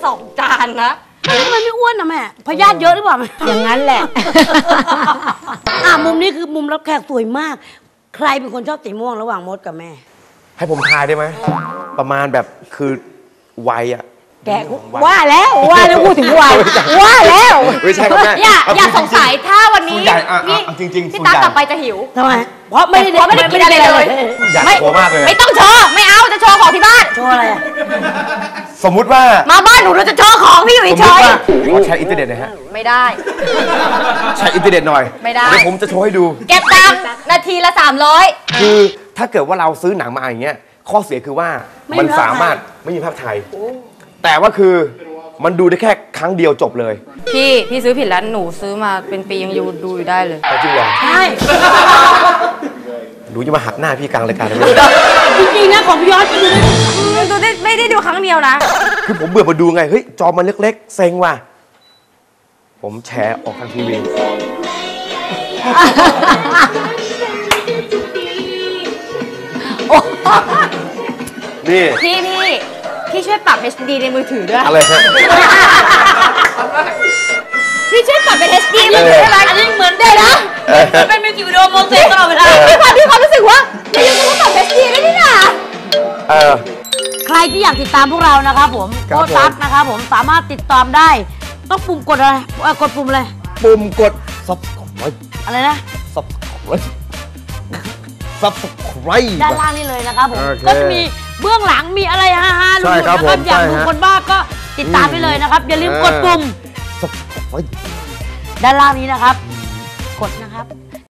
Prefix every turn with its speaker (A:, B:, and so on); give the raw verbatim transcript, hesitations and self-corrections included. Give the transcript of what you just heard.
A: สองจานนะ
B: ทำไมไม่อ้วนนะแม่พยาธิเยอะหรือเปล่า
C: อย่างนั้นแหละ
B: อ่ะมุมนี้คือมุมรับแขกสวยมากใครเป็นคนชอบสีม่วงระหว่างมดกับแม่
D: ให้ผมทายได้ไหมประมาณแบบคือวัยอะ
C: แกว่าแล้วว่าแล้วพูดถึงวัยว่าแล้ว
D: ไม่ใช่ครับแม่
A: อย่าอย่าสงสัยถ้าวันนี้
D: พี่จริงๆ
A: พี่ตากลับไปจะหิว
B: ทำไมเพราะไม่ได้
A: ไม่ได้กินอะไรเลย
D: อยากโชว์มากเลย
A: ไม่ต้องโชว์ไม่เอาจะโชว์ของที่บ้าน
B: โชว์อะไรอ่ะ
D: สมมุติว่า
A: มาบ้านหนูเราจะโชว์ของพี่อยู่เฉย
D: ขอใช้อินเทอร์เน็ตหน่อยฮะ
A: ไม่ได้
D: ใช้อินเทอร์เน็ตหน่อย
A: ไม่ได้
D: เดี๋ยวผมจะโชว์ให้ดู
A: เก็บตังค์นาทีละสามร้อย
D: คือถ้าเกิดว่าเราซื้อหนังมาอย่างเงี้ยข้อเสียคือว่ามันสามารถไม่มีภาพไทยแต่ว่าคือมันดูได้แค่ครั้งเดียวจบเลย
A: พี่พี่ซื้อผิดแล้วหนูซื้อมาเป็นปียังอยู่ดูอยู่ได้เลย
D: จริงเหรอ
B: ใช่
D: หนูจะมาหักหน้าพี่กลางรายการเลย
B: จริงๆนะของพี่ยอดดูได้
A: ดูได้ไม่ได้ดูครั้งเดียวนะ
D: คือผมเบื่อมาดูไงเฮ้ยจอมันเล็กๆเซ็งว่ะผมแชร์ออกทางทีวีนี่
A: พี่พี่พี่ช่วยปรับ เอช ดี ในมือถือด้วย
D: อะไรฮะ
A: พี่ช่วยปรับเป็น เอช ดี มือถือได้ไหมอันนี้เหมือนได้นะเป็นมิวสิกวิดีโอโมเสกตลอดเวลาพี่ความพี่ความรู้สึกว่าพี่ยังต้องปรับ เอช ดี ได้นี่นะ
D: เออ
B: ใครที่อยากติดตามพวกเรานะครับผมโคตัสนะครับผมสามารถติดตามได้ต้องปุ่มกดอะไรกดปุ่มอะไร
D: ปุ่มกด subscribe
B: อะไรนะ
D: subscribe subscribe
B: ด้านล่างนี่เลยนะครับผมก็จะมีเบื้องหลังมีอะไรฮาฮาลุงนะครับอยากดูคนบ้าก็ติดตามไปเลยนะครับอย่าลืมกดปุ่มด้านล่างนี้นะครับกดนะ